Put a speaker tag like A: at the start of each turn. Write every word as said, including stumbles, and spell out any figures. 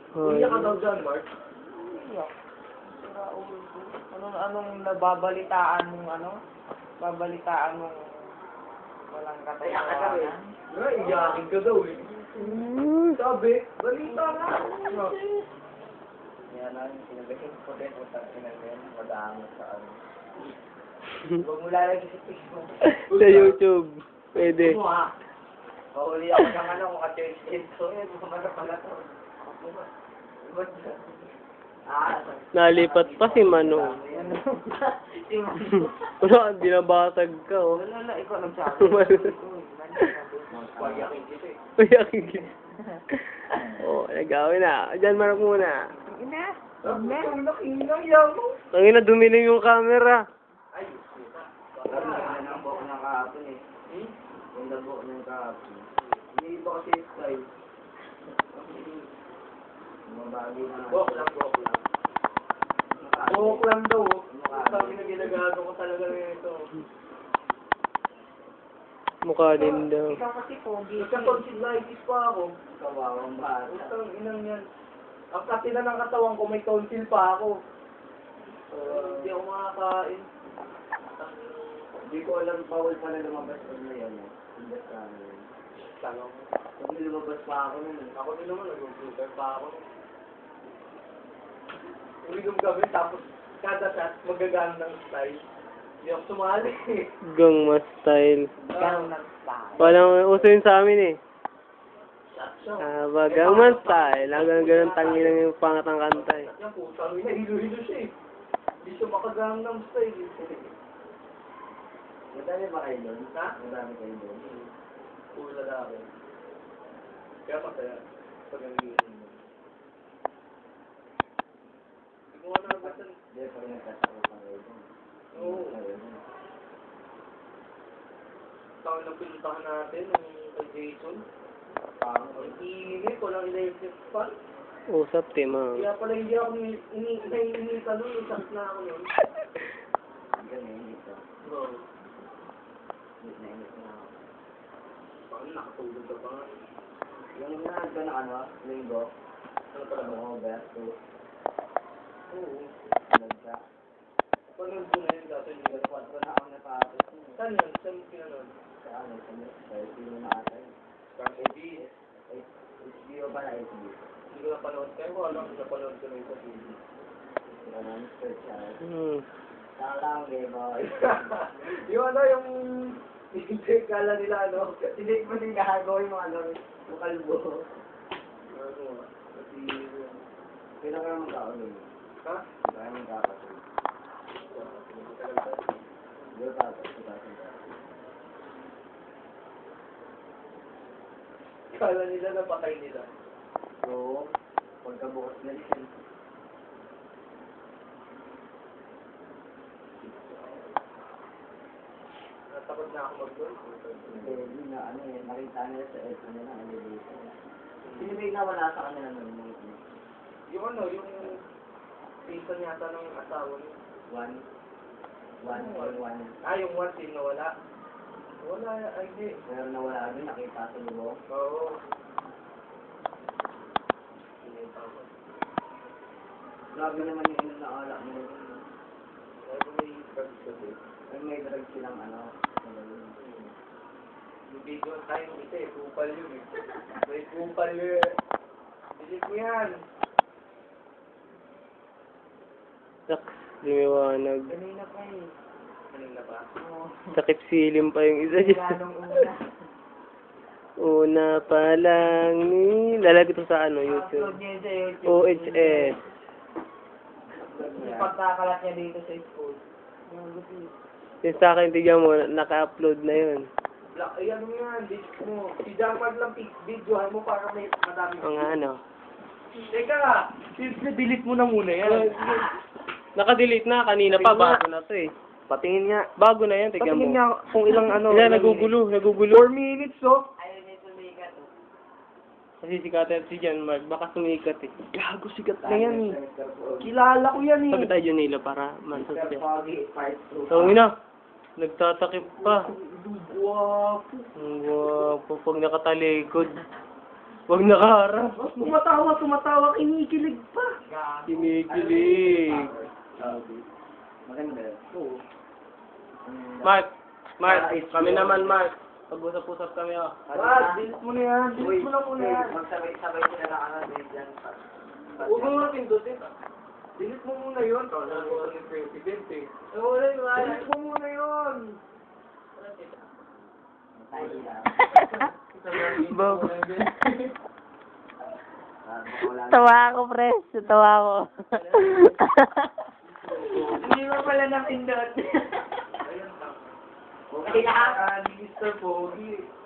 A: Uy,
B: Umiyak ka daw dyan, Mark.
C: Iyak. Sira ulo ko. Anong, anong nababalitaan mong ano? Babalitaan mong walang
B: Kaya ka daw eh.
C: katotohanan?
B: Nga, iyakin ka daw eh. Sabi, balita nga. Ano?
A: Yan lang, sinabihin ko din kung saan sinabihin, mag-aangat sa ano.
C: Huwag mo lalagay sa Facebook.
D: Sa YouTube. Pwede.
B: Ano ha?
A: Mahuli ako ng ano, kung ka-church ito. Eh, bumala pala to. Ah,
D: Nalipat pa si Mano.
C: Si Mano.
D: Wala, binabasag ka, oh.
C: Wala na, ikaw nagsabi.
B: Payakin kita eh.
D: Kaya kikit. Oh, nagawin na. Diyan, Mark muna.
C: Ina.
B: Ang nakinang yan mo.
D: Tangin na, dumiling yung camera.
B: Ay,
A: Parang ang ang buhok ng kahapon eh.
B: Hmm?
A: Yung buhok ng kahapon. Hindi iba kasi yung style. Mabagi na lang.
B: Buhok lang, buhok lang. Buhok lang daw. oh. Sabi na ginagago ko talaga nito.
D: Mukha din daw.
C: Ikaw kasi pogi.
B: Nagka-tonsillitis pa ako.
A: Kawawang bata.
B: Utang inang yan. Ang kasi na ng katawan ko, may tonsil pa ako.
A: Uh,
B: Hindi ako makakain.
A: Hindi ko alam bawal pala lumabas ko na yan. eh. Hindi ka ano.
B: Tanong.
A: Pag may lumabas pa ako nun. eh.
B: Ako din naman, nag-computer pa ako. Uligom kami, tapos kada shot, magagaan ng style. Hindi ako sumali eh.
D: Gangma style.
C: Ganun nag-style.
D: Walang uso yun sa amin, eh.
B: Shot siya.
D: Ah, ba, gangma style. Hanggang ganun tangi lang yung pangat ng kanta, eh.
B: Yan po, sabi na hilo-hilo siya eh. Hindi siya makagaan ng style eh.
A: Madami ba kayo doon?
B: Ha?
A: Madami kayo doon.
B: Puro lalaki. Kaya masaya. Pag nangyayari mo. Hindi ko nga nabatan.
A: Hindi, pag nagkasako pa kayo doon.
B: Oo. Taon na pinuntahan natin, yung kay Jason.
A: Parang
B: Ang ingay ko lang electric fan.
D: Usap, tema.
B: Kaya pala hindi ako ini-ini-ini-ka nun, isang na ako nun.
A: ganyan ito.
B: Bro,
A: Init na init na ako.
B: paano nakatulog ka pa nga?
A: Yung na ito na ano, linggo,
B: Ano pala ba?
A: ano, besto,
B: Oo.
A: nagka.
B: Panood ko na yun dati. hindi ka-
A: Kwatro na ako natapos. eh.
B: Saan yun? Saan pinanood?
A: Sa ano, sa sa sino na ata yun.
B: Kang A B.
A: H B O ba na H B O?
B: Hindi ko napanood. Kaya ko alam, napanood ko na yun sa T V.
A: Ano, search siya.
D: Hmm.
A: Saan lang, game boy.
B: Yung ano, yung... Hindi, kala nila ano.
A: Hindi mo din gagawin mo ano, yung kalbo.
B: Ano ah. Kasi...
A: Kailan ka naman kaulog?
B: Ha?
A: Kaya naman kakasal. Hindi ko tapos, hindi ko
B: Kala nila napatay nila.
A: So, pagkabukas na rin.
B: Natakot na ako mag-goal.
A: Hindi, hindi na ano eh, nakita nila sa F ano na, elevation. Sino ba yung nawala sa kanila nun?
B: Yung ano, yung... Season yata ng asawa niya.
A: One? One or one?
B: Ah, yung one team na wala. Wala, ay hindi.
A: Pero nawala doon, nakita sa lubong.
B: Oo. Pinita ko.
A: Grabe naman yung inom na alak nila.
B: Kaya ko may drugs ko din.
A: Ay, may drug silang ano. ano yun.
B: Yung video tayo kita eh, kupal yun eh. May kupal yun eh. Bilis mo yan.
D: Sak, lumiwanag.
C: Kanina pa eh.
B: Kanina pa?
C: Oo.
D: Sakip silim pa yung isa dyan.
C: Ganong una.
D: Una pa lang ni... Lalagay ito sa ano, YouTube.
C: Upload niya sa YouTube.
D: O H S.
C: Yung pagkakalat niya dito sa school. Yung gusto.
D: Yung sa akin, tignan mo, naka-upload na yun.
B: Black, ay ano yan, dis mo. Si Jamad lang pic videohan mo para may madami.
D: Ang ano.
B: Teka, delete mo na muna yan.
D: Naka-delete na, kanina pa, bago na to eh.
B: Patingin nga.
D: Bago na yan, tignan
B: Patingin
D: mo.
B: nga kung ilang ano.
D: Yan,
B: ilang
D: nagugulo, nagugulo.
B: four minutes, oh.
C: Ayaw niya sumikat.
D: Kasi sikatan si John Mark, baka sumikat eh.
B: Gago, sikat na yan eh. Kilala ko yan eh.
D: Sabi tayo Junila para mansot
A: Mister
D: siya.
A: Foggy, part two.
D: So, ina, nagtatakip pa.
B: Guwapo.
D: Ang guwapo pag nakatalikod. Huwag nakaharap.
C: Oh, tumatawa, tumatawa, kinikilig pa.
D: Kinikilig.
A: Maganda.
C: Oo.
D: Mark, Mark, kami naman, Mark. Pag-usap-usap kami, oh.
C: Brad, bilis mo na yan.
A: Uy,
C: Bilis mo na muna
A: uy,
C: yan.
A: magsabay-sabay sila na ano din dyan.
C: Huwag mo nga pindutin. Bilis mo muna yun.
B: Wala mo kasi president eh.
C: Eh, wala yun. Bilis mo muna yun.
D: Bob.
A: Wala.
D: Tawa ako, pre. Tawa ako.
C: Hindi mo pala napindot.
B: Ayun lang.
C: Okay na. Ah, ni Mister Pogi.